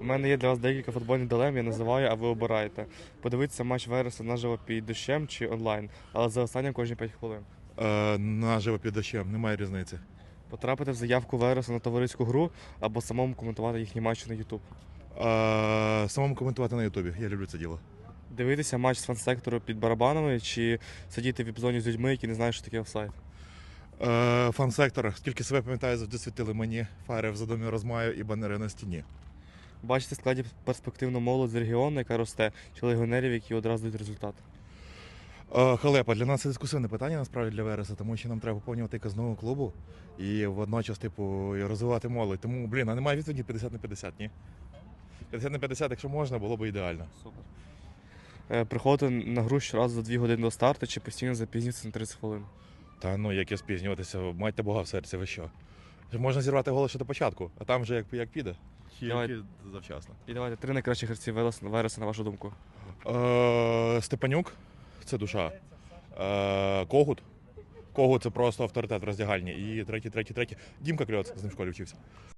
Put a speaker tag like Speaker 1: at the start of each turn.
Speaker 1: мене є для вас декілька футбольних дилем, я називаю, а ви обираєте. Подивитися матч Вереса наживо під дощем чи онлайн, але за останнім кожні 5 хвилин.
Speaker 2: Наживо під дощем, немає різниці.
Speaker 1: Потрапити в заявку Вереса на товариську гру або самому коментувати їхні матчі на YouTube.
Speaker 2: Самому коментувати на Ютубі, я люблю це діло.
Speaker 1: Дивитися матч з фан-сектору під барабанами чи сидіти в віп-зоні з людьми, які не знають, що таке офсайд.
Speaker 2: Фан-сектор, скільки себе пам'ятаю, завжди світили мені фари в задумі розмаю і банери на стіні.
Speaker 1: Бачите в складі перспективну молодь з регіону, яка росте, чи легіонерів, які одразу дають результат.
Speaker 2: Халепа, для нас це дискусивне питання, насправді, для Вереса, тому що нам треба поповнювати казну клубу і водночас, і розвивати молодь. Тому, а немає відповіді 50 на 50, ні? 50 на 50, якщо можна, було б ідеально.
Speaker 1: Супер. Приходити на гру щоразу за 2 години до старту чи постійно запізнюватися на 30 хвилин.
Speaker 2: Та яке спізнюватися, майте Бога в серці, ви що? Можна зірвати голос ще до початку, а там вже як піде.
Speaker 1: Давай.
Speaker 2: Завчасно.
Speaker 1: І давайте 3 найкращі гравці Вереса, на вашу думку.
Speaker 2: Степанюк це душа. Когут. Когут це просто авторитет в роздягальні. І третій. Дімка Кльоц, з ним в школі вчився.